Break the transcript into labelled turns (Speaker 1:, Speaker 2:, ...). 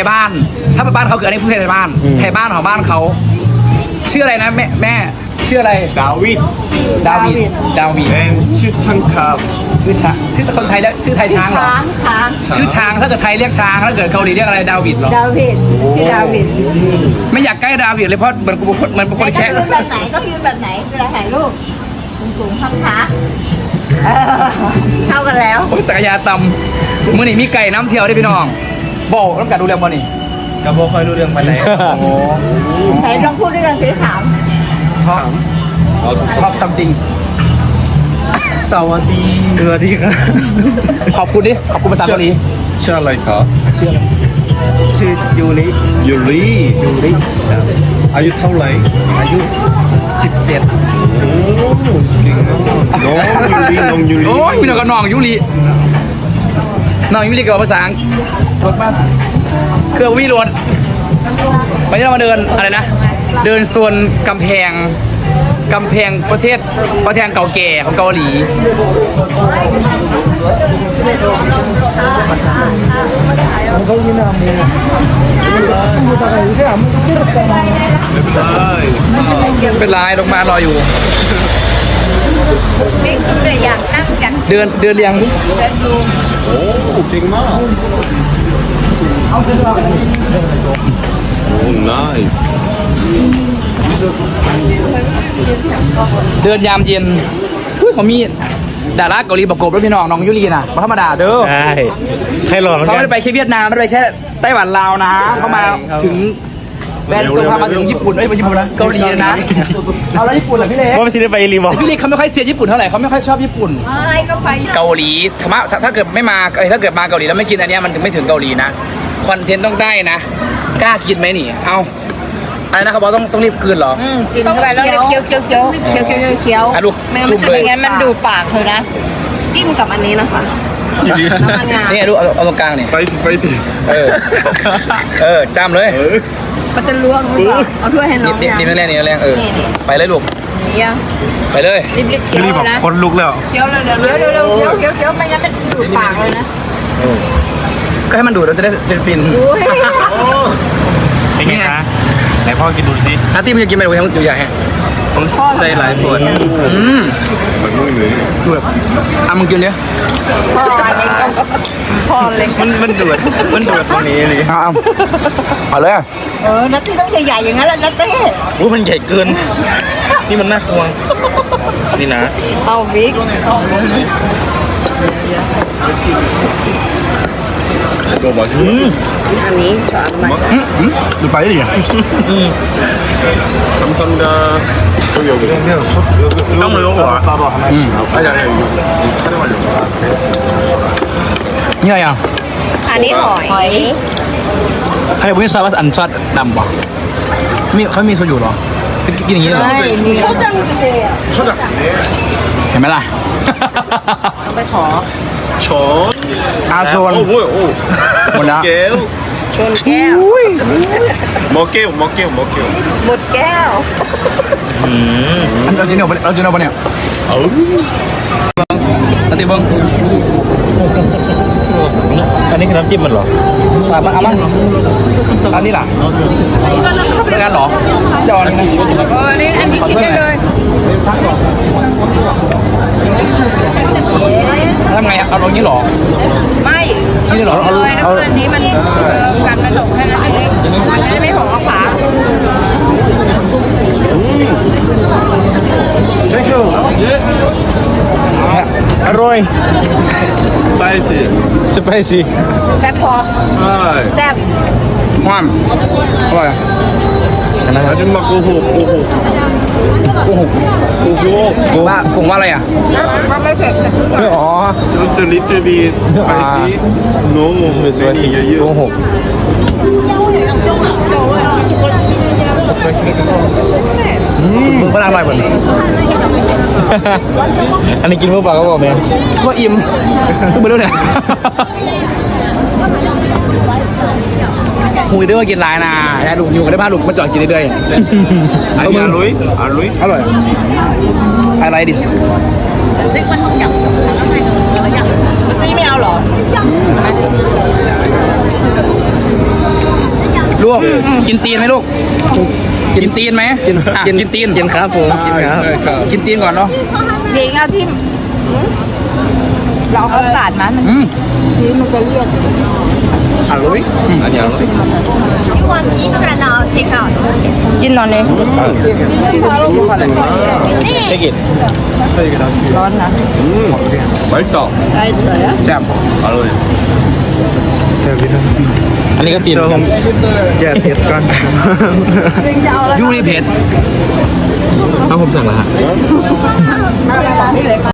Speaker 1: ยบ้านถ้าเป็นบ้านเขาคืออันนี้ผู้ใหญ่บ้านไทยบ้านของบ้านเขาชื่ออะไรนะแม่ชื่ออะไร
Speaker 2: ดาวิดชื่อช่างครับ
Speaker 1: ชื่อคนไทยแล้วชื่อไทยช้างเหรอชื่อช้างถ้าเกิดไทยเรียกช้างถ้าเกิดเกาหลีเรียกอะไรดาวิดเหรอ
Speaker 3: ดาวิดชื่อดาวิด
Speaker 1: ไม่อยากใกล้ดาวิดเลยเพราะมันเป็นคนแค่
Speaker 3: แบบไหนต้องยืนแบบไหนเวลาถ่ายรูปสูงข้างขาเท่ากันแล้ว
Speaker 1: จักรยานตำมือนี่มีไก่น้ำเที่ยวได้พี่น้องบอกต้องการดูเรื่องบ่นี่
Speaker 2: กระโบคอยรู้เรื่องไปไหน
Speaker 3: ไหนลองพูดด้วยกันสิถาม
Speaker 1: ชอบทำจริง
Speaker 2: สวัสดีครับ
Speaker 1: ขอบคุณดิขอบคุณภาษาเกาหลี
Speaker 2: ชื่ออะไรครับ
Speaker 1: ชื่อยูริ
Speaker 2: อายุเท่าไหร่
Speaker 1: อายุ17
Speaker 2: โอ้เก่งมากน้องยูริ
Speaker 1: โอ้ยมีน้องกับน้องยูริกับภาษาอังกฤษรถบ้านเครื่องวิโรจน์วันนี้เรามาเดินอะไรนะเดินโซนกำแพงประเทศเก่าแก่ของเกาหลีเป็นลายลงมารออยู่
Speaker 3: อยากนั่งกัน
Speaker 1: เดินเรียง
Speaker 2: โอ้เก่งมากโอ้ nice
Speaker 1: เดินยามเย็นเขามีดาราเกาหลีประกบด้วยพี่น้องยูรีนะธรรมดาเด้อ
Speaker 4: ใช่ใครหลอก
Speaker 1: เขาไม่ได้ไปแค่เวียดนามไม่ได้ไปแค่ไต้หวันลาวนะเขามาถึงแบรนด์ตัวพามาถึงญี่ปุ่นไม่ญี่ปุ่นนะเกาหลีนะเอาแล้วญี่ปุ่นเหรอพี่เล็ก
Speaker 4: ว่าไม่ใช่ไปรีมอ
Speaker 1: พี่เล็กเขาไม่ค่อยเสียญี่ปุ่นเท่าไหร่เขาไม่ค่อยชอบญี่ปุ่น
Speaker 3: ก็ไป
Speaker 1: เกาหลีถ้าเกิดไม่มาถ้าเกิดมาเกาหลีแล้วไม่กินอันนี้มันถึงไม่ถึงเกาหลีนะคอนเทนต์ต้องได้นะกล้ากินไหมนี่เอาอะไรนะเขาบอกต้องรีบกินเหรอ
Speaker 3: กินเข้าไปแล้วเคี้ยว
Speaker 1: ลูกจุ่มเลย
Speaker 3: ไม่งั้นมันดูปากเธอนะจิ้มกับอันนี้นะคะ
Speaker 1: นี่ลูกเอาตรงกลางนี่
Speaker 2: ไปดิ
Speaker 1: จ้ำเลย
Speaker 3: มันจะล้วงหรือเปล่าเอาถ้วยให้น้อง
Speaker 1: นี่แรงไปเลยลูกไปเลย
Speaker 3: รีบเคี้ยวนะ
Speaker 4: คนลุกแล้ว
Speaker 3: เคี้ยวเลยเคี้ยวไม่งั้นมันดูดปากเลยนะ
Speaker 1: ก็ให้มันดูดเราจะได้ฟิน
Speaker 4: เป็นไงคะไหนพ่อกินดูสิ
Speaker 1: อาร์ตี้มันจะกินไปดูให้มันอยู่ใหญ่
Speaker 4: ผมใส่หลายผล
Speaker 2: มันนุ่มเลย
Speaker 1: ดูแบบมึงกินเนี้ย
Speaker 3: พ่อเล็ก
Speaker 4: มันดูดตรงนี้เลย
Speaker 1: เอาเลย
Speaker 3: นัตตี้ต้องใหญ่ๆอย่างนั้นแหละนัตตี้
Speaker 4: มันใหญ่เกินนี่มันน่ากลัวนี่นะ
Speaker 3: เอาบิ๊ก
Speaker 2: ตัวมาชิ
Speaker 3: อันนี้ช้อนมา
Speaker 1: ดูไปดิ
Speaker 2: 감사합니다 여기
Speaker 4: ต้องเลยหัว
Speaker 2: 따로 하나씩 아니 촬영하려고
Speaker 1: เนี่ยยัง
Speaker 3: อันนี้หอย
Speaker 1: ใครบอกว่าซอสอันซอสดำป่ะเขามีโซยูหรอกินอย่างนี้เหรอ
Speaker 3: 초장
Speaker 1: เห็นไหมล่ะ
Speaker 3: ไปขอ
Speaker 2: 전
Speaker 1: โซน
Speaker 2: 뭐야
Speaker 1: หมดแล้ว
Speaker 3: ชนแก้ว
Speaker 2: 먹게요
Speaker 3: หมดแก้ว
Speaker 1: เราจะเนี่ยปะเนี่ยตัดตีเบิ้ง
Speaker 4: อันนี้คือน้ำจิ้มมันเหรอ
Speaker 1: เอามาอันนี้ล่ะเป็นการหรอจอน
Speaker 3: อันนี้กินได้เลย
Speaker 1: ทำไงเอาตรงนี้หรอ
Speaker 3: ไม่
Speaker 1: นี่หรอ
Speaker 3: เลยนะอันนี้มันกันมันหลงแค่นั้นเองมันจะไม่หอมขา
Speaker 4: อร่อย
Speaker 2: 스파이시
Speaker 3: แซ่บพอแซ่บ
Speaker 1: ความอร่อย
Speaker 2: 아줌마 고호
Speaker 1: ว่ากุ้งว่าอะไรอ่ะ
Speaker 3: ไม่เผ็ด
Speaker 1: อ๋อ
Speaker 2: just a little bit spicy no
Speaker 4: spicy โกหก
Speaker 1: มึงก็อร่อยเหมือน
Speaker 4: อันนี้กินเมื่อปากก็บอกแม่
Speaker 1: ก็อิ่มก็ไม่รู้เนี่ยหูยด้วยว่ากินลายนะยายลูกอยู่กันได้บ้านลูกมาจอดกินเรื่อย
Speaker 2: ๆ아니 알로이
Speaker 1: อร่อยอะไรดิ
Speaker 3: นี่ไม่เอาหรอ
Speaker 1: ลูกกินตีนไหมลูกกินตีนไหมอ่ะกินตีน
Speaker 4: กินครับผมกินครับ
Speaker 1: กินตีนก่อนเนาะ
Speaker 3: เด็กเอาที่เราเอาสาดมัน ที่มันจะเลือก
Speaker 2: 알로이? 아니야.
Speaker 3: You want eat right now take out กินนอนเลย
Speaker 4: เช็คอิท
Speaker 3: ร้อนนะ
Speaker 2: 맛있다.
Speaker 1: แซ่บ
Speaker 2: 알로이.
Speaker 4: อันนี้ก็ตีนกันอย่าเผ็ดก่อน
Speaker 1: ยูนี่เผ็ด
Speaker 4: เอาผมสั่งแล้วฮะ
Speaker 3: นี่เลยค่ะ